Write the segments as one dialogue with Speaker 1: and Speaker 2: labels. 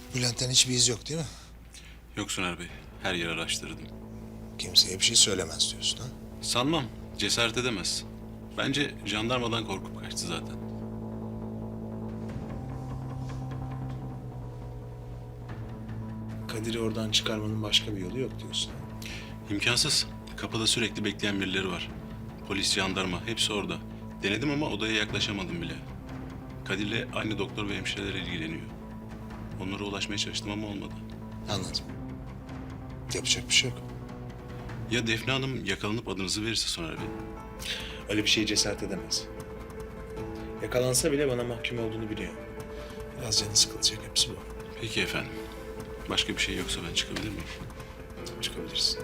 Speaker 1: Bülent'ten hiçbir iz yok değil mi?
Speaker 2: Yok Soner Bey, her yeri araştırdım.
Speaker 1: Kimseye bir şey söylemez diyorsun ha?
Speaker 2: Sanmam, cesaret edemez. Bence jandarmadan korkup kaçtı zaten.
Speaker 1: Kadir'i oradan çıkarmanın başka bir yolu yok diyorsun.
Speaker 2: İmkansız. Kapıda sürekli bekleyen birileri var. Polis, jandarma, hepsi orada. Denedim ama odaya yaklaşamadım bile. Kadir'le aynı doktor ve hemşireler ilgileniyor. Onlara ulaşmaya çalıştım ama olmadı.
Speaker 1: Anladım. Yapacak bir şey yok.
Speaker 2: Ya Defne Hanım yakalanıp adınızı verirse Soner Bey?
Speaker 1: Öyle bir şeye cesaret edemez. Yakalansa bile bana mahkum olduğunu biliyor. Biraz canı sıkılacak, hepsi bu.
Speaker 2: Peki efendim. Başka bir şey yoksa ben çıkabilir miyim?
Speaker 1: Çıkabilirsin.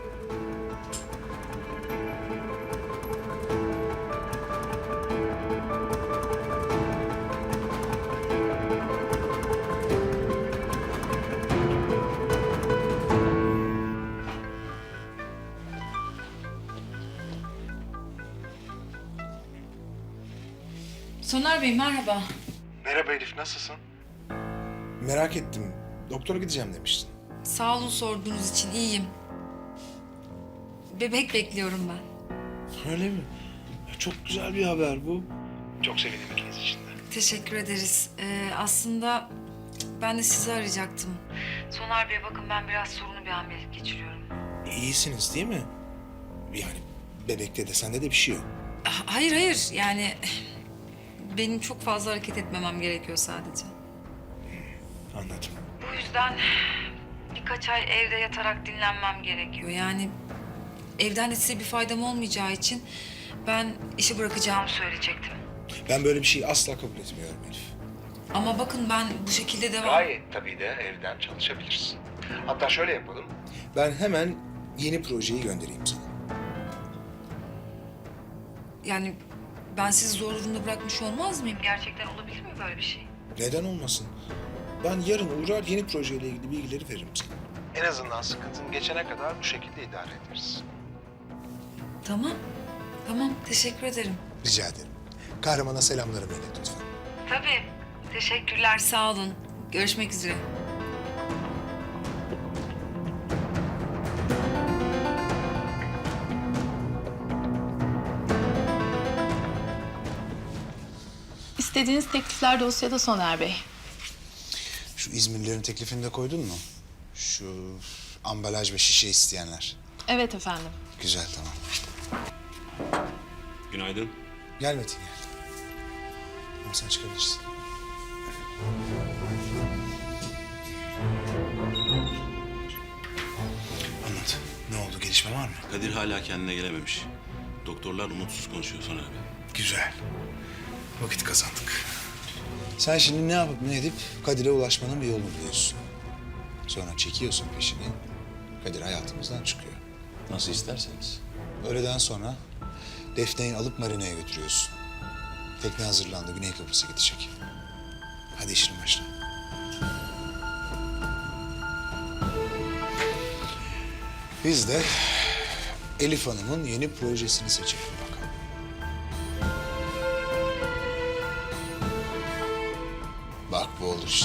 Speaker 3: Soner Bey merhaba.
Speaker 1: Merhaba Elif, nasılsın? Merak ettim. Doktora gideceğim demiştin.
Speaker 3: Sağ olun sorduğunuz için iyiyim. Bebek bekliyorum ben.
Speaker 1: Öyle mi? Çok güzel bir haber bu. Çok sevindim ikiniz için de.
Speaker 3: Teşekkür ederiz. Aslında ben de sizi arayacaktım. Soner Bey bakın ben biraz sorunlu bir hamilelik geçiriyorum.
Speaker 1: İyisiniz değil mi? Yani bebekte de sende de bir şey yok.
Speaker 3: Hayır yani benim çok fazla hareket etmemem gerekiyor sadece.
Speaker 1: Anladım.
Speaker 3: Bu yüzden birkaç ay evde yatarak dinlenmem gerekiyor. Yani evden de size bir faydam olmayacağı için ben işi bırakacağımı söyleyecektim.
Speaker 1: Ben böyle bir şeyi asla kabul etmiyorum Elif.
Speaker 3: Ama bakın ben bu şekilde devam...
Speaker 1: Gayet tabii de evden çalışabilirsin. Hatta şöyle yapalım. Ben hemen yeni projeyi göndereyim sana.
Speaker 3: Yani ben sizi zor durumda bırakmış olmaz mıyım? Gerçekten olabilir mi böyle bir şey?
Speaker 1: Neden olmasın? Ben yarın uğrar yeni projeyle ilgili bilgileri veririm sana. En azından sıkıntın geçene kadar bu şekilde idare ederiz.
Speaker 3: Tamam. Teşekkür ederim.
Speaker 1: Rica ederim. Kahramana selamlarımı ilet lütfen.
Speaker 3: Tabii. Teşekkürler, sağ olun. Görüşmek üzere.
Speaker 4: İstediğiniz teklifler dosyada Soner Bey.
Speaker 1: Şu İzmirlilerin teklifini de koydun mu? Şu ambalaj ve şişe isteyenler.
Speaker 4: Evet efendim.
Speaker 1: Güzel, tamam.
Speaker 2: Günaydın.
Speaker 1: Gel Metin gel. Ama sen çıkabilirsin. Anlat. Ne oldu? Gelişme var mı?
Speaker 2: Kadir hala kendine gelememiş. Doktorlar umutsuz konuşuyor Soner Bey.
Speaker 1: Güzel. Vakit kazandık. Sen şimdi ne yapıp ne edip Kadir'e ulaşmanın bir yolunu buluyorsun. Sonra çekiyorsun peşini. Kadir hayatımızdan çıkıyor.
Speaker 2: Nasıl isterseniz.
Speaker 1: Öğleden sonra Defne'yi alıp marinaya götürüyorsun. Tekne hazırlandı. Güney Kıbrıs'a gidecek. Hadi işine başla. Biz de Elif Hanım'ın yeni projesini seçelim bakalım. Bak bu olur işte.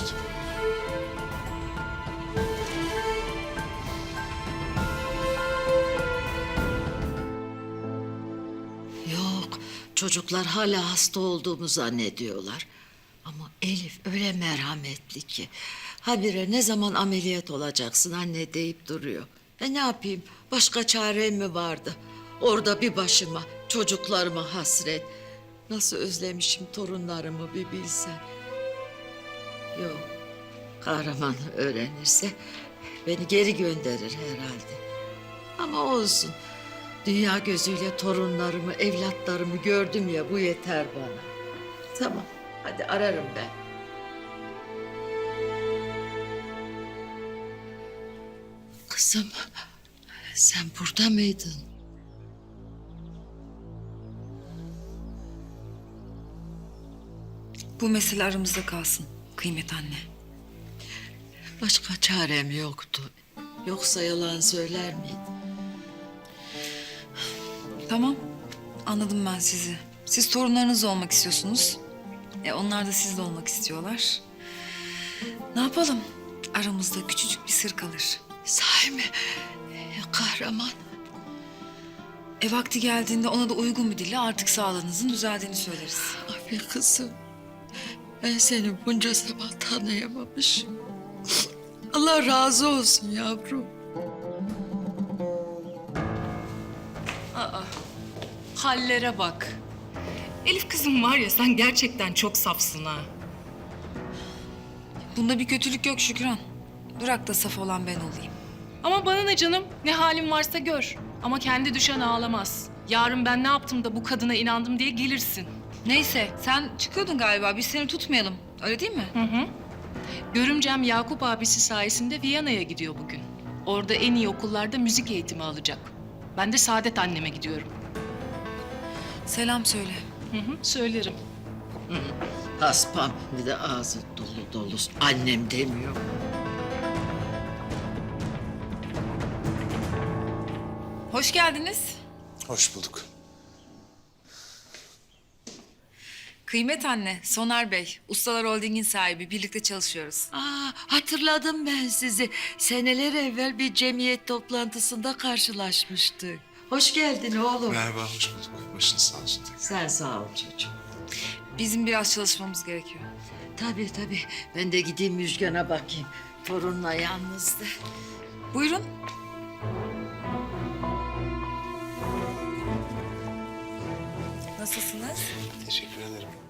Speaker 5: Yok, çocuklar hala hasta olduğumu zannediyorlar. Ama Elif öyle merhametli ki. Habire ne zaman ameliyat olacaksın anne deyip duruyor. Ne yapayım, başka çarem mi vardı? Orada bir başıma, çocuklarıma hasret. Nasıl özlemişim torunlarımı bir bilsen. Yok, kahraman öğrenirse beni geri gönderir herhalde. Ama olsun. Dünya gözüyle torunlarımı, evlatlarımı gördüm ya, bu yeter bana. Tamam, hadi ararım ben. Kızım, sen burada mıydın?
Speaker 3: Bu mesele aramızda kalsın Kıymet anne.
Speaker 5: Başka çarem yoktu. Yoksa yalan söyler miydin?
Speaker 3: Tamam, anladım ben sizi. Siz torunlarınız olmak istiyorsunuz. Onlar da sizle olmak istiyorlar. Ne yapalım? aramızda küçücük bir sır kalır.
Speaker 5: Sahi mi? Kahraman.
Speaker 3: Vakti geldiğinde ona da uygun bir dille artık sağlığınızın düzeldiğini söyleriz.
Speaker 5: Abi kızım. Ben seni bunca zaman tanıyamamışım. Allah razı olsun yavrum.
Speaker 6: Hallere bak. Elif kızım var ya sen gerçekten çok safsın ha.
Speaker 3: Bunda bir kötülük yok Şükran. Bırak da saf olan ben olayım.
Speaker 6: Ama bana ne canım? Ne halin varsa gör. Ama kendi düşen ağlamaz. Yarın ben ne yaptım da bu kadına inandım diye gelirsin.
Speaker 3: Neyse sen çıkıyordun galiba. Biz seni tutmayalım. Öyle değil mi?
Speaker 6: Görümcem Yakup abisi sayesinde Viyana'ya gidiyor bugün. Orada en iyi okullarda müzik eğitimi alacak. Ben de Saadet anneme gidiyorum.
Speaker 3: Selam söyle.
Speaker 6: Söylerim.
Speaker 5: Haspam bir de ağzı dolu dolu. Annem demiyor.
Speaker 3: Hoş geldiniz.
Speaker 1: Hoş bulduk.
Speaker 3: Kıymet anne, Soner Bey. Ustalar Holding'in sahibi. Birlikte çalışıyoruz.
Speaker 5: Hatırladım ben sizi. Seneler evvel bir cemiyet toplantısında karşılaşmıştık. Hoş geldin oğlum.
Speaker 1: Merhaba, hoş bulduk. Başınız sağ olsun.
Speaker 5: Sen sağ ol çocuğum.
Speaker 3: Bizim biraz çalışmamız gerekiyor.
Speaker 5: Tabii tabii. Ben de gideyim Müjgan'a bakayım. Torunla yalnızdı.
Speaker 3: Buyurun. Nasılsınız?
Speaker 1: Teşekkür ederim.